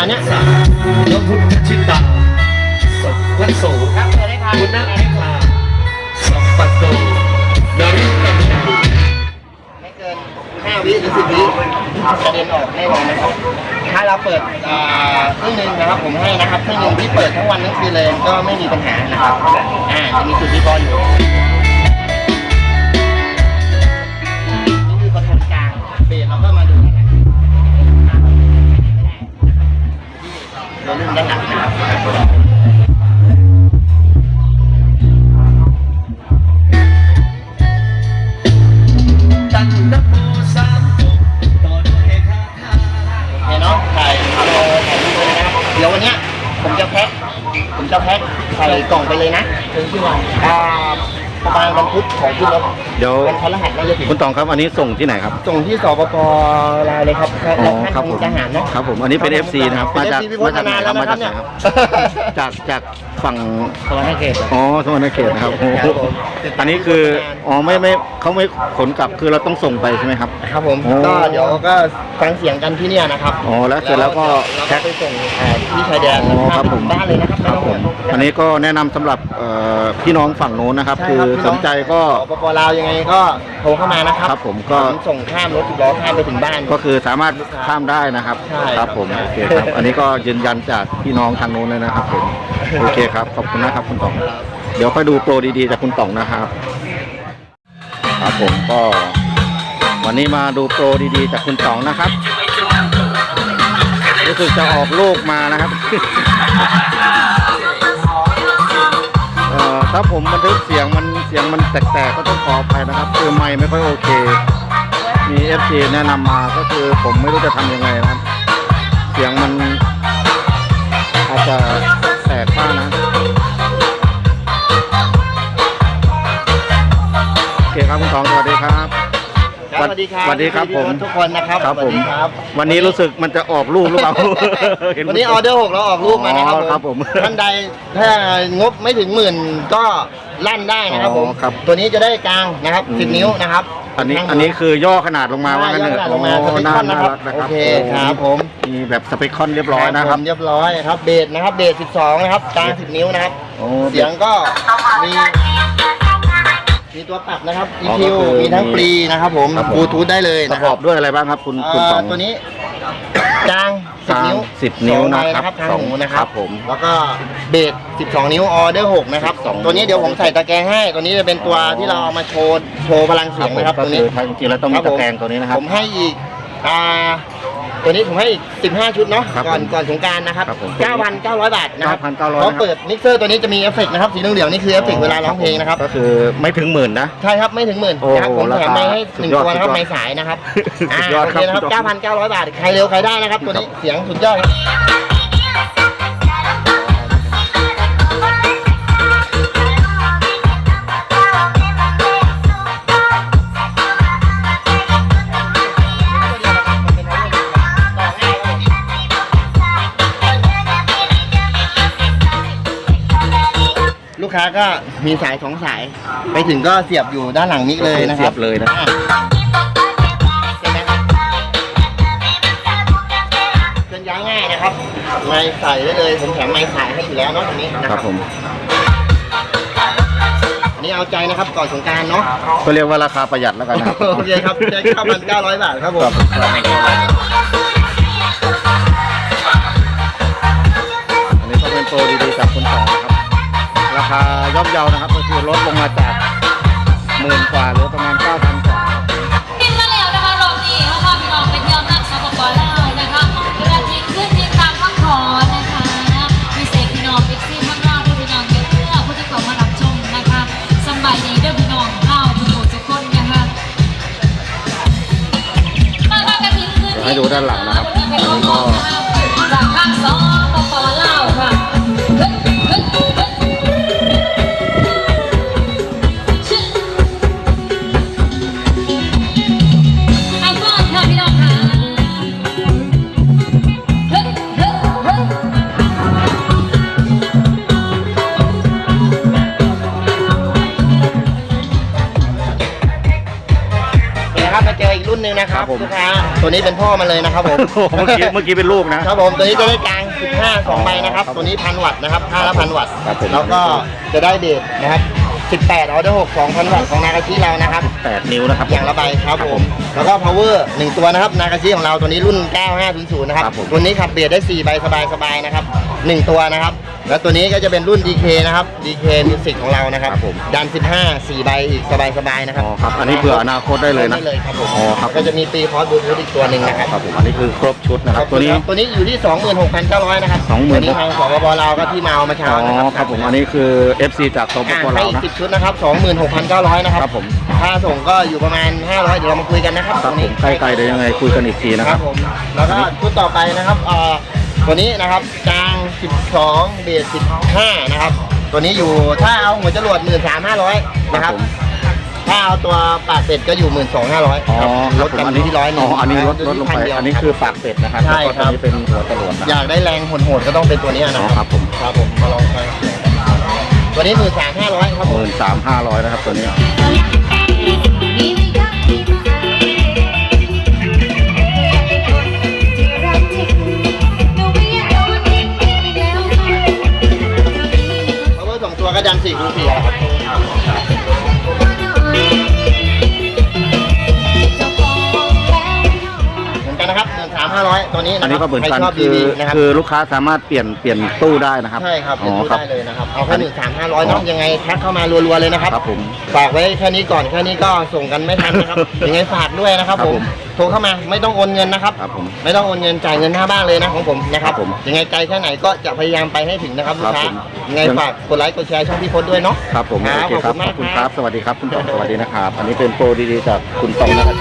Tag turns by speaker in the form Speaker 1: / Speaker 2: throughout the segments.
Speaker 1: ณเนี้ย
Speaker 2: ยกพุทธชิตาสวัสดิ์โส
Speaker 1: ครับเปิดได้ครับ
Speaker 2: คุณนักนิพาสัมปัตโตนริกัมนา
Speaker 1: ไม่เกิน5 วิหรือ10 วิกระเด็นออกแน่นอนนะครับถ้าเราเปิดครึ่งหนึงนะครับผมให้นะครับครึ่งหนึงที่เปิดทั้งวันทั้งคืนเลยก็ไม่มีปัญหานะครับจะมีจุดที่พออยู่นี่คือคอนโทรลกลางเบสเราก็มาดูนะครับเราเริ่มด้านหลังนะครับ
Speaker 2: ตั้งนับโมสามจบต่อด้วยคาถา
Speaker 1: โอเคเนาะถ่ายรูปเลยนะครับเดี๋ยววันเนี้ยผมจะแพ็คใส่กล่องไปเลยนะถึงที่วันประมาณวันพุธของขึ้นรถ
Speaker 3: เดี๋ยว
Speaker 1: วันพฤหัสน่าจะถึง
Speaker 3: คุณตองครับอันนี้ส่งที่ไหนครับ
Speaker 1: ส่งที่สปป.ลาวเลยครับ
Speaker 3: อ๋อ
Speaker 1: ท่าน
Speaker 3: ครับผม
Speaker 1: ทหารนะครับ
Speaker 3: ผมอันนี้เป็น FC นะครับ
Speaker 1: เป็น
Speaker 3: มาจาก
Speaker 1: FC พี่พจน์
Speaker 3: ไหน
Speaker 1: นาน
Speaker 3: ค
Speaker 1: แล้
Speaker 3: รั
Speaker 1: ว
Speaker 3: บ
Speaker 1: นะ
Speaker 3: มา
Speaker 1: ครั
Speaker 3: จาก
Speaker 1: บ
Speaker 3: ไหน
Speaker 1: เนี่ย
Speaker 3: ครับจากฝั่ง
Speaker 1: สวรรค์เขต
Speaker 3: อ๋อสวรรณเขตนะครับโอ้โห
Speaker 1: ครับผม
Speaker 3: อันนี้คืออ๋อไม่เขาไม่ขนกลับคือเราต้องส่งไปใช่ไหมครับ
Speaker 1: ครับผม
Speaker 3: โอ้
Speaker 1: ก็เดี๋ยวก็ฟังเสียงกันที่เนี่ยนะครับ
Speaker 3: อ๋อแล้วเสร็จแล้วก็
Speaker 1: แพ็คไปส่งที่ชายแดน
Speaker 3: อ๋อครับผม
Speaker 1: บ้านเลยนะครับ
Speaker 3: ครับผมอันนี้ก็แนะนำสำหรับพี่น้องฝั่งโน้นนะครับ
Speaker 1: ใช่
Speaker 3: คือ
Speaker 1: รับพี่
Speaker 3: ส
Speaker 1: น้อง
Speaker 3: นใจก็
Speaker 1: สปป.ลาวยังไงก็โทรเข้ามานะครับ
Speaker 3: ครับผมก็
Speaker 1: ส่งข้ามรถ10 ล้อข้ามไปถึงบ้าน
Speaker 3: ก็คือสามารถข้ามได้นะครับ
Speaker 1: ใช่
Speaker 3: ครับผม
Speaker 1: ใช่
Speaker 3: โอเคครับอันนี้ก็ยืนยันจากพี่น้องทางโน้นเลยนะครับผมโอเคครับขอบคุณนะครับคุณต๋องเดี๋ยวค่อยดูโปรดีๆจากคุณต๋องนะครับครับผมก็วันนี้มาดูโปรดีๆจากคุณต๋องนะครับรู้สึกจะออกลูกมานะครับ ถ้าผมบันทึกเสียงมันแตกๆก็ต้องขออภัยนะครับคือไมค์ไม่ค่อยโอเคมี FC แนะนำมาก็คือผมไม่รู้จะทำยังไงนะครับเสียงมันอาจจะแตกบ้างนะโอเคครับคุณตองสวัสดีครับ
Speaker 1: ครับสวัสดีครับ
Speaker 3: สวัสดีครับผม
Speaker 1: ทุกคนนะครับ
Speaker 3: ครับผม
Speaker 1: สวัสดีครับ
Speaker 3: วันนี้รู้สึกมันจะออกลูกหรือเปล่า
Speaker 1: วันนี้ออเดอร์6เราออกรูปมานะครับ
Speaker 3: ครับผม
Speaker 1: ท่านใดถ้างบไม่ถึง10,000ก็ลั่นได้นะครับผม
Speaker 3: อ๋อครับ
Speaker 1: ตัวนี้จะได้กลางนะครับ10 นิ้วนะครับ
Speaker 3: อันนี้คือย่อขนาดลงมาว่างั้นเถอะ
Speaker 1: ลงมาสเปคคอนนะครับ
Speaker 3: น่า
Speaker 1: โอ
Speaker 3: รัก
Speaker 1: เคครับผม
Speaker 3: มีแบบสเปคคอนเรียบร้อยนะครับ
Speaker 1: เรียบร้อยครับเบสนะครับเบส12นะครับกลาง10 นิ้วนะครับ
Speaker 3: โอ้
Speaker 1: เสียงก็มีตัวปรับนะครับ
Speaker 3: อ๋อ
Speaker 1: EQ
Speaker 3: ก็คือ
Speaker 1: มีทั้งปรีนะครับผม
Speaker 3: ครับผม
Speaker 1: บลูทูธได้เลย
Speaker 3: ประ
Speaker 1: นะ
Speaker 3: ก
Speaker 1: ค
Speaker 3: อ
Speaker 1: รั
Speaker 3: บบ ด้วยอะไรบ้างครับคุณต๋อง
Speaker 1: ตัวนี้กลาง10 นิ้ว
Speaker 3: 10 นิ้ว
Speaker 1: สองใ
Speaker 3: นะครับ
Speaker 1: ทางหูนะค
Speaker 3: ค
Speaker 1: รั
Speaker 3: รั
Speaker 1: บบ
Speaker 3: ผม
Speaker 1: แล้วก็เบส12 นิ้วออเดอร์6นะครับ
Speaker 3: 12
Speaker 1: ตัวนี้เดี๋ยวผมใส่ตะแกรงให้ตัวนี้จะเป็นตัวที่เราเอามาโชว์พลังเสียงนะครับ
Speaker 3: ก็
Speaker 1: ตัว
Speaker 3: คื
Speaker 1: นี้
Speaker 3: อจริงๆแล้วต้องมีตะแกรงตัวนี้นะครับ
Speaker 1: ผมให้อีกตัวนี้ผมให้อีก15 ชุดเนาะ
Speaker 3: ครับ
Speaker 1: ก่อนสงกรานต์นะครับ
Speaker 3: ครับผม
Speaker 1: 9,900 บาทนะครับ
Speaker 3: 9,900
Speaker 1: เขาเปิดมิกเซอร์ตัวนี้จะมีเอฟเฟกต์นะครับสีเหลืองๆนี่คือเอฟเฟกต์เวลาร้องเพลงนะครับ
Speaker 3: ก็คือไม่ถึง10,000นะ
Speaker 1: ใช่ครับไม่ถึง10,000
Speaker 3: โอ้
Speaker 1: นะครับผมแถมไม้ให้
Speaker 3: สุ
Speaker 1: 1
Speaker 3: ดยอด
Speaker 1: ตัวนะครับ
Speaker 3: สุดยอด
Speaker 1: ไม้สายนะครับ
Speaker 3: สุดยอด
Speaker 1: โอเคนะครับ
Speaker 3: ครับ
Speaker 1: 9,900 บาทใครเร็วใครได้นะครับตัวนี้เสียงสุดยอดครับลูกค้าก็มีสาย2 สายไปถึงก็เสียบอยู่ด้านหลังมิกเลยนะค
Speaker 3: เสี
Speaker 1: รั
Speaker 3: ย
Speaker 1: บบ
Speaker 3: เลยนะ
Speaker 1: ใช่ไหมครับเคลื่อนย้ายง่ายนะครับไม้ใส่ได้เลยผมแถมไม้สายให้อยู่แล้วเนาะตรงนี้นะ
Speaker 3: ค
Speaker 1: ค
Speaker 3: รั
Speaker 1: รั
Speaker 3: บบ ผม
Speaker 1: อันนี้เอาใจนะครับก่อนสงกรานต์เนาะ
Speaker 3: ก็เรียกว่าราคาประหยัดแล้วกันนะครับ
Speaker 1: โอเคครับได้ 9,900 บาทครับผม
Speaker 3: อันนี้ก็เป็นโปรดีๆจากคุณต๋องนะครับราคาย่อมเยานะครับก็คือลดลงมาจาก10,000 กว่าเหลือประมาณ 9,000 กว่า
Speaker 4: บินมาแล้วนะคะรอบนี้เขาพาพี่น้องไปเที่ยวนั่งสปป.ลาวนะคะเวลาที่ขึ้นที่ตามข้างขอนะคะมีเสกพี่น้องเอ็กซี่ข้างล่างผู้พี่น้องเยอะเพื่อผู้ที่เข้ามารับชมนะคะสบายดีเด้อพี่น้องเข้าทุกคนนะคะมากันที่ขึ้น
Speaker 3: เดี๋ยวให้ดูด้านหลังนะครับ
Speaker 4: วันนี้เป็นของน้องนะคะจากข้างสปป.ลาวค่ะเอาก่อนค่ะพี่น้องค่ะ
Speaker 1: นี่นะครับมาเจออีกรุ่นหนึ่งนะค
Speaker 3: ค
Speaker 1: รั
Speaker 3: รั
Speaker 1: บบ
Speaker 3: ผม
Speaker 1: ลูกค้าตัวนี้เป็นพ่อมันเลยนะครับผม
Speaker 3: โอ้โหเมื่อกี้เป็นลูกนะครับ
Speaker 1: ผมตัวนี้จะได้กลาง 15 2 ใบนะครับ ตัวนี้1,000 วัตต์นะครับค่าละ1,000 วัตต์
Speaker 3: ครับผม
Speaker 1: แล้วก็จะได้เบสนะครับ 18 ออเดอร์ 6 2,000 วัตต์ของนากาชิเรานะครับ
Speaker 3: 8 นิ้วนะครับ
Speaker 1: อย่างละใบครับผม แล้วก็ power 1 ตัวนะครับ นากาชิของเราตัวนี้รุ่น 9500 นะครับ
Speaker 3: ครับผม
Speaker 1: ตัวนี้ขับเบสได้ 4 ใบสบายๆนะครับ 1 ตัวนะครับ แล้วตัวนี้ก็จะเป็นรุ่น DK นะครับ DK Music ของเรานะครับ
Speaker 3: ครับผม
Speaker 1: ดัน 15 4 ใบอีกสบายๆนะครับ
Speaker 3: อ๋อครับ อันนี้เผื่ออนาคตได้เลยนะ
Speaker 1: ได้เลยครับผม
Speaker 3: อ๋อครับ
Speaker 1: ก็จะมีปีคอร์สบลูทูธอีกตัวหนึ่งนะครับ
Speaker 3: ครับผม อันนี้คือครบชุดนะครับ ตัวนี้
Speaker 1: ตัวนี้อยู่ที่ 26,900 นะครับ
Speaker 3: 26,000
Speaker 1: ตัวนี้ทางสปปลาวก็ที่มาเอามาเช้า
Speaker 3: อ๋อ
Speaker 1: นะครับ
Speaker 3: ครับผม อันนี้คือ FC จากสปป
Speaker 1: ให้
Speaker 3: ลาว
Speaker 1: อีก
Speaker 3: นะ
Speaker 1: 10 ชุดนะครับ 26,900 นะครับ
Speaker 3: ครับผม
Speaker 1: ค่าส่งก็อยู่ประมาณ 500 เดี๋ยวเรามาคุยกันนะครับ
Speaker 3: ครับผมใกล้ๆเดี๋ยวยังไงคุยกันอีกทีนะ
Speaker 1: ค
Speaker 3: ค
Speaker 1: รั
Speaker 3: รั
Speaker 1: บบ ผมแล้วก็ชุดต่อไปนะครับตัวนี้นะครับกลาง 12 เบส 15 นะครับ ตัวนี้อยู่ถ้าเอาหัวจรวด 13,500 นะครับ
Speaker 3: ผม
Speaker 1: ถ้าเอาตัวปากเป็ดก็อยู่ 12,500
Speaker 3: อ๋อ
Speaker 1: ลดกันที่100
Speaker 3: อ๋ออันนี้ลดลงไป อันนี้คือปากเป็ดนะครับ
Speaker 1: ใช่
Speaker 3: แล้วก็
Speaker 1: ครั
Speaker 3: ตัว
Speaker 1: บ
Speaker 3: นี้เป็นหัวจรวดนะ
Speaker 1: อยากได้แรงโหดๆก็ต้องเป็นตัวนี้
Speaker 3: อ๋
Speaker 1: นะ
Speaker 3: อ
Speaker 1: ค
Speaker 3: ครับ รับผม
Speaker 1: ครับผมมาลองฟังตัวนี้ 13,500 ครับผม
Speaker 3: 13,500นะครับตัวนี้
Speaker 1: power 2 ตัวก็ดัน4 คูณ 4ครับเหมือนกันนะครับ 13,500 ตัวนี้ะครับ
Speaker 3: อันนี้ก็เหมือนกัน
Speaker 1: ใครชอบ
Speaker 3: คือ
Speaker 1: BB นะครับ
Speaker 3: คือลูกค้าสามารถเปลี่ยนตู้ได้นะครับ
Speaker 1: ใช่ครับ
Speaker 3: อ๋
Speaker 1: เป็น
Speaker 3: อ
Speaker 1: ตู้
Speaker 3: ครับ
Speaker 1: ได้เลยนะครับ เอาแค่13,500เนาะยังไงแท็กเข้ามารัวๆเลยนะครับ
Speaker 3: ครับผม
Speaker 1: ฝากไว้แค่นี้ก่อนแค่นี้ก็ส่งกันไม่ทันนะครับ ยังไงฝากด้วยนะครับ
Speaker 3: ครับ
Speaker 1: ผ
Speaker 3: ผม ม
Speaker 1: โทรเข้ามาไม่ต้องโอนเงินนะครับ
Speaker 3: ครับผม
Speaker 1: ไม่ต้องโอนเงินจ่ายเงินหน้าบ้านเลยนะของผมนะครับ
Speaker 3: ครับผม
Speaker 1: ยังไงไกลแค่ไหนก็จะพยายามไปให้ถึงนะครับลูกค้า
Speaker 3: ครับผม
Speaker 1: ยังไงฝากกดไลค์กดแชร์ช่องพี่พจน์ด้วยเนาะ
Speaker 3: ครับผม
Speaker 1: ครับ
Speaker 3: โอเคครับ
Speaker 1: ขอบคุณมาก
Speaker 3: ขอบคุณ
Speaker 1: ค
Speaker 3: ค
Speaker 1: รั
Speaker 3: รับ บ สวัสดีครับคุณตองสวัสดีนะครับ อันนี้เป็นโปรดีๆจากคุณตองนะครับ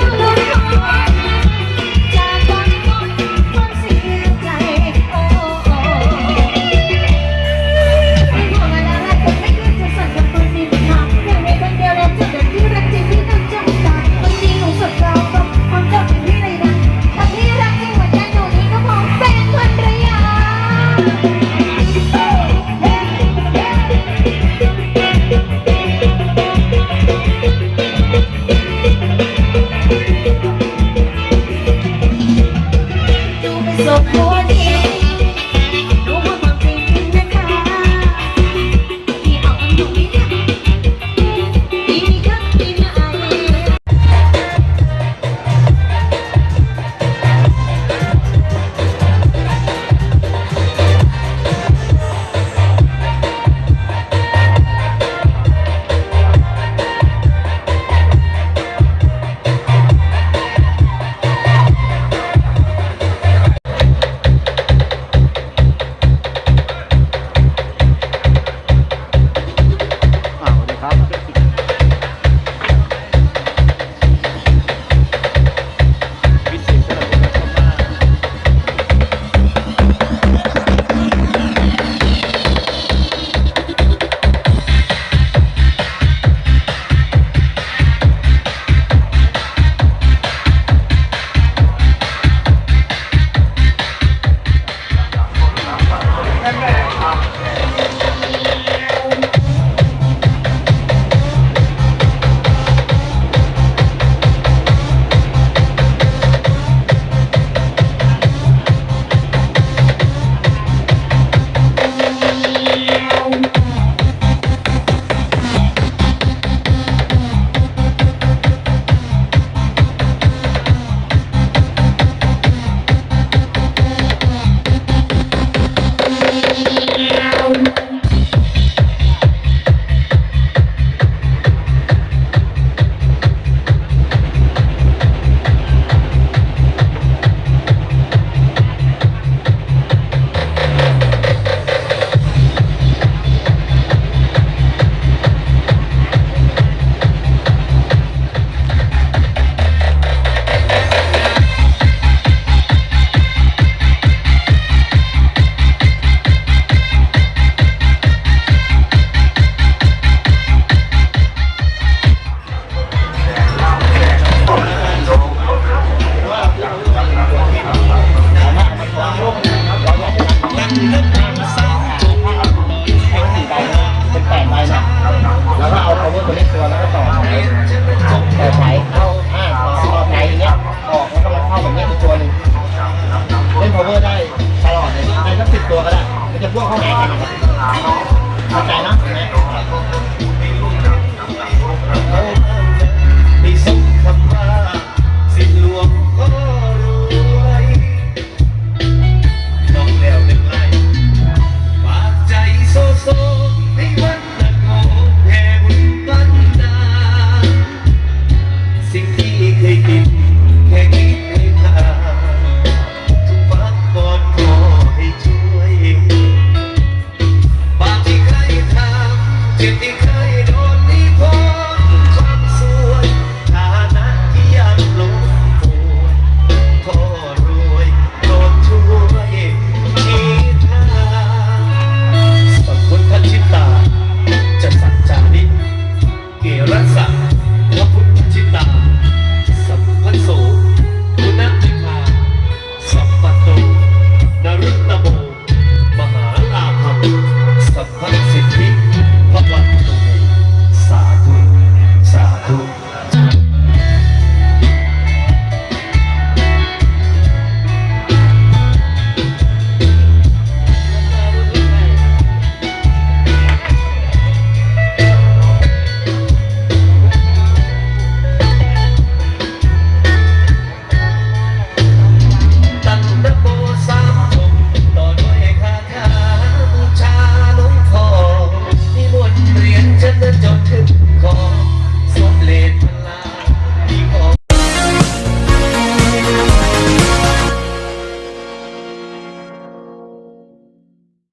Speaker 4: So